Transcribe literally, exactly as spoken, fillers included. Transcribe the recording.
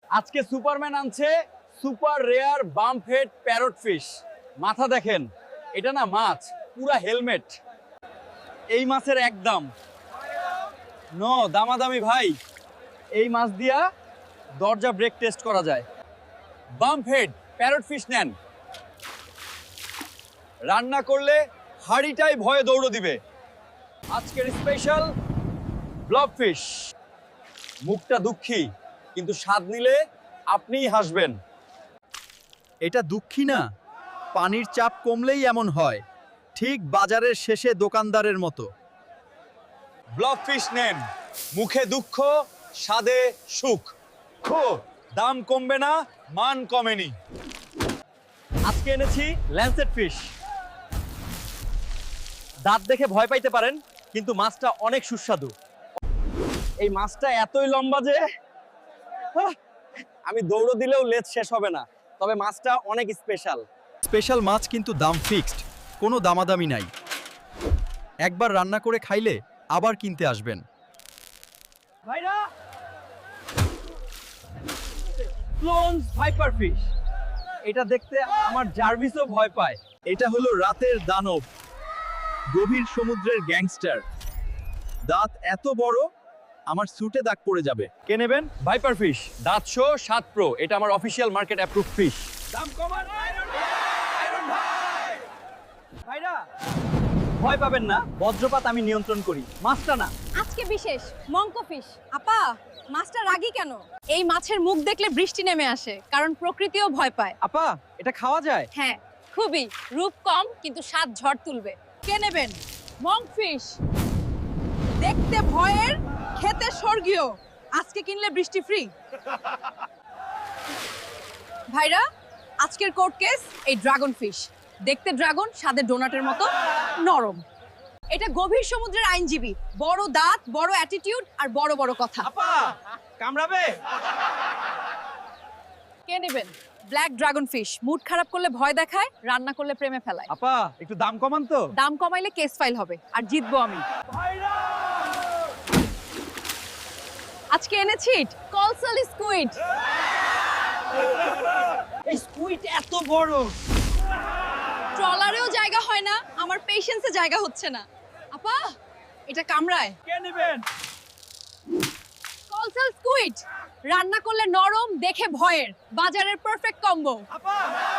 আজকে সুপারম্যান আনছে super rare bump head parrot fish. মাথা দেখেন, এটা না মাছ, পুরা হেলমেট। এই মাছের একদম নো দামাদামি ভাই। এই মাছ দিয়া দরজা ব্রেক টেস্ট করা যায়। বাম্প হেড প্যারট ফিশ নেন, রান্না করলে হাড়িটাই ভয়ে দৌড় দিবে। আজকের স্পেশাল ব্লব ফিশ। মুখটা দুঃখী, কিন্তু স্বাদ নিলে আপনিই হাসবেন। এটা দুঃখী না, পানির চাপ কমলেই এমন হয়, ঠিক বাজারের শেষে দোকানদারের মতো। ব্লব ফিশ নেন, মুখে দুঃখ, স্বাদে সুখ। খো, দাম কমবে না, মান কমেনি। আজকে এনেছি ল্যান্সেট ফিশ। দাঁত দেখে ভয় পাইতে পারেন, কিন্তু মাছটা অনেক সুস্বাদু। এই মাছটা এতই লম্বা যে আহ, আমি দৌড় দিলেও লেজ শেষ হবে না। তবে মাছটা অনেক স্পেশাল। স্পেশাল মাছ কিন্তু দাম ফিক্সড, কোনো দামাদামি নাই। একবার রান্না করে খাইলে আবার কিনতে আসবেন। ভাইরা, ক্লোনস ভাইপার ফিশ। এটা দেখতে আমার জার্ভিসও ভয় পায়। এটা হলো রাতের দানব, গভীর সমুদ্রের গ্যাংস্টার। দাঁত এত বড়, আমার স্যুটে দাগ পড়ে যাবে। কে নেবেন? ভাইপার ফিশ, দাঁত শো সাত প্রো। এটা আমার অফিসিয়াল মার্কেট অ্যাপ্রুভ ফিশ। দাম কমান আয়রন ভাই, আয়রন ভাই। ভাইরা, ভয় পাবেন না, বজ্রপাত আমি নিয়ন্ত্রণ করি, মাছটা না। আজকে বিশেষ মঙ্ক ফিশ। আপা, মাছটা রাগী কেন? এই মাছের মুখ দেখলে বৃষ্টি নেমে আসে, কারণ প্রকৃতিও ভয় পায়। আপা, এটা খাওয়া যায়? হ্যাঁ, খুবই। রূপ কম কিন্তু স্বাদ ঝড় তুলবে। কে নেবেন? মঙ্ক ফিশ, দেখতে ভয়ের, খেতে স্বর্গীয়। আজকে কিনলে বৃষ্টি ফ্রি। ভাইরা, আজকের কোর্ট কেস এই ড্রাগন ফিশ। দেখতে ড্রাগন, স্বাদে ডোনাটের মতো নরম। এটা গভীর সমুদ্রের আইনজীবী, বড় দাঁত, বড় অ্যাটিটিউড আর বড় বড় কথা। আপা, কামড়াবে? কে নেবেন? ব্ল্যাক ড্রাগন ফিশ, মুড খারাপ করলে ভয় দেখায়, রান্না করলে প্রেমে ফেলায়। আপা, একটু দাম কমান তো। দাম কমাইলে কেস ফাইল হবে, আর জিতবো আমি। আজকে এনেছি কলসাল স্কুইড। এই স্কুইড এত বড়, ট্রলারেও জায়গা হয় না, আমার পেশেন্সে জায়গা হচ্ছে না। আপা, এটা কামড়ায়। কে নেবেন? কলসাল স্কুইড, রান্না করলে নরম, দেখে ভয়ের, বাজারের পারফেক্ট কম্বো। আপা